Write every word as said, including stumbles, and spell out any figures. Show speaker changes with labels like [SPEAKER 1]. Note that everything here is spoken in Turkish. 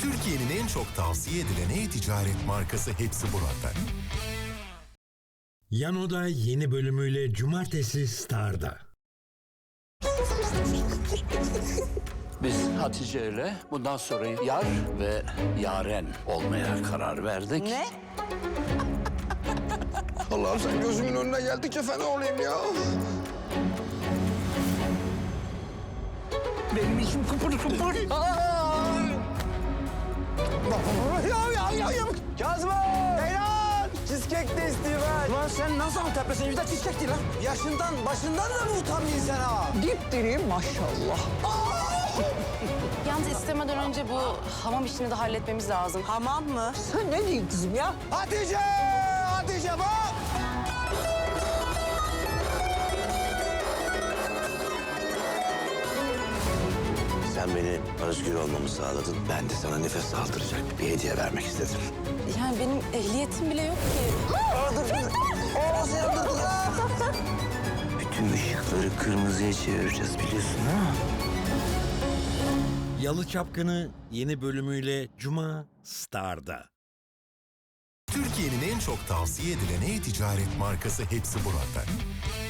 [SPEAKER 1] Türkiye'nin en çok tavsiye edilen e-ticaret markası hepsi burada.
[SPEAKER 2] Yano'da yeni bölümüyle Cumartesi Star'da.
[SPEAKER 3] Biz Hatice ile bundan sonra yar ve yaren olmaya karar verdik.
[SPEAKER 4] Ne?
[SPEAKER 5] Allah'ım sen gözümün önüne geldikçe fena olayım ya.
[SPEAKER 3] Benim içim kıpır kıpır.
[SPEAKER 5] Ya ya ya ya.
[SPEAKER 4] Kazım! Beyler! Cheesecake de istiyor ben. Ulan sen nasıl Antep'lesin? Yüzde cheesecake değil lan. Yaşından, başından da mı utanmıyorsun sen ha? Dipdiriyim maşallah.
[SPEAKER 6] Yalnız istemeden önce bu hamam işini de halletmemiz lazım.
[SPEAKER 4] Hamam mı? Sen ne diyorsun kızım ya? Hatice! Hatice bak!
[SPEAKER 7] Sen beni özgür olmamı sağladın. Ben de sana nefes aldıracak bir hediye vermek istedim.
[SPEAKER 6] Yani benim ehliyetim bile yok ki.
[SPEAKER 4] Aa, dur, dur. Oo, sen dur, dur.
[SPEAKER 7] Bütün ışıkları kırmızıya çevireceğiz biliyorsun ha?
[SPEAKER 2] Yalı Çapkını yeni bölümüyle Cuma Star'da.
[SPEAKER 1] Türkiye'nin en çok tavsiye edilen e-ticaret markası hepsi burada.